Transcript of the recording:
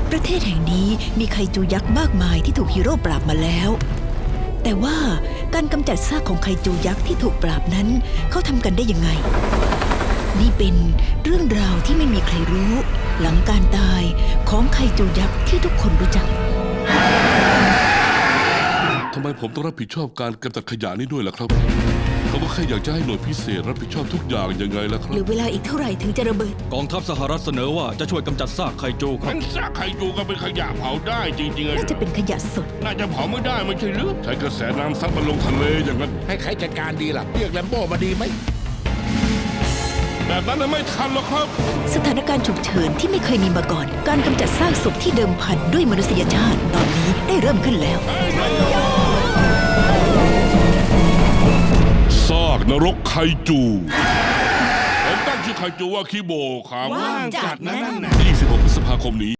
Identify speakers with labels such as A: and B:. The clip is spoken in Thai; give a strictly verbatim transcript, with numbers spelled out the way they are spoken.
A: ประเทศแห่งนี้มีไคจูยักษ์มากมายที่ถูกฮีโร่ปราบมาแล้ว แต่ว่าการกำจัดซากของไคจูยักษ์ที่ถูกปราบนั้นเขาทำกันได้ยังไง นี่เป็นเรื่องราวที่ไม่มีใครรู้ หลังการตายของไคจูยักษ์ที่ทุกคนรู้จัก
B: ทำไมผมต้องรับผิดชอบการกำจัดขยะนี้ด้วยล่ะครับเขาก็แค่อยากจะให้หน่วยพิเศษรับผิดชอบทุกอย่างยังไงล่ะครั
A: เห
B: บ
A: ลือเวลาอีกเท่าไหร่ถึงจะระเบิด
C: กองทัพสหรัฐเสนอว่าจะช่วยกำจัดซากไคจูครั
D: งั้
C: บ
D: นซากไข่จูก็เป็นขยะเผาได้จริงๆเลย
A: น่าจะเป็นขยะสด
D: น่าจะเผาไม่ได้ไม่ใช่หรือ
B: ใช้กระแสน้ำซัดมันลงทะเลอย่างนั้น
E: ให้ใครจัดการดีล่ะ เรียกแลมโบ้มาดีไหม
B: แบบนั้นน่ะไม่ทันหรอกครับ
A: สถานการณ์ฉุกเฉินที่ไม่เคยมีมาก่อน การกำจัดซากศพที่เดิมพันด้วยมนุษยชาติตอนนี้ได้เริ่มขึ้นแล้ว
B: ซากนรกไคจูผมตั้งชื่อไคจูว่าคิโบครับ
A: ว่างจัดนะนั่นน่ะ
B: ยี่สิบหกพฤษภาคมนี้